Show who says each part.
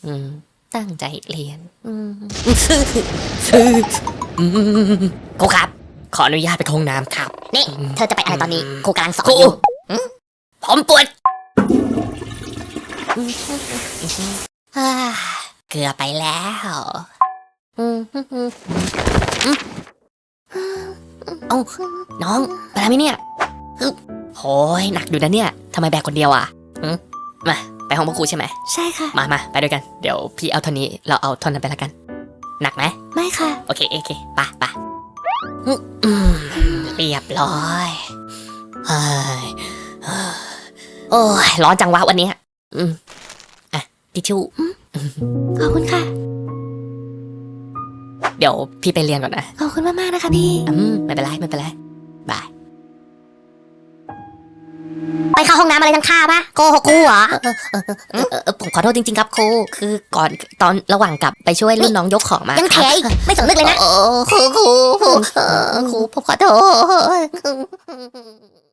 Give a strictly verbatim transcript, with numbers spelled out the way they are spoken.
Speaker 1: อืมตั้งใจเรียนอืมครูครับขออนุญาตไปเข้าห้องน้ำครับ
Speaker 2: นี่เธอจะไปอะไรตอนนี้ครูกำลังสอ
Speaker 1: คน รู
Speaker 2: อยู่
Speaker 1: ผมปวดอ่าเกือบไปแล้วอืมเอ้าน้องไปทำไมเนี่ยฮึบโหยหนักอยู่นะเนี่ยทำไมแบกคนเดียวอ่ะหึมาไปห้องพ่อครูใช่ไหม
Speaker 2: ใช่ค่ะ
Speaker 1: มามาไปด้วยกันเดี๋ยวพี่เอาเท่านี้เราเอาท่อนนั้นไปแล้วกันหนักไหม
Speaker 2: ไม่ค่ะ
Speaker 1: โอเคโอเคไปไปอืมเรียบร้อยเฮ้ยโอ้ยร้อนจังวะวันนี้อืมอ่ะทิชชู่
Speaker 2: ขอบคุณค่ะ
Speaker 1: เดี๋ยวพี่ไปเรียนก่อนนะ
Speaker 2: ขอบคุณมากๆนะคะพี่
Speaker 1: อืมไม่เป็นไรไม่เป็นไรบาย
Speaker 2: ไปเข้าห้องน้ำอะไรทั้งค่าปะโกหกครูเหรอ
Speaker 1: เออเออผมขอโทษจริงๆครับครูคือก่อนตอนระหว่างกลับไปช่วยรุ่นน้องยกของมา
Speaker 2: ยัง
Speaker 1: ค
Speaker 2: แถ
Speaker 1: รับ
Speaker 2: อีกไม่สำนึกเลยนะ
Speaker 1: โอ้ครูครูครูเออครูผมขอโทษ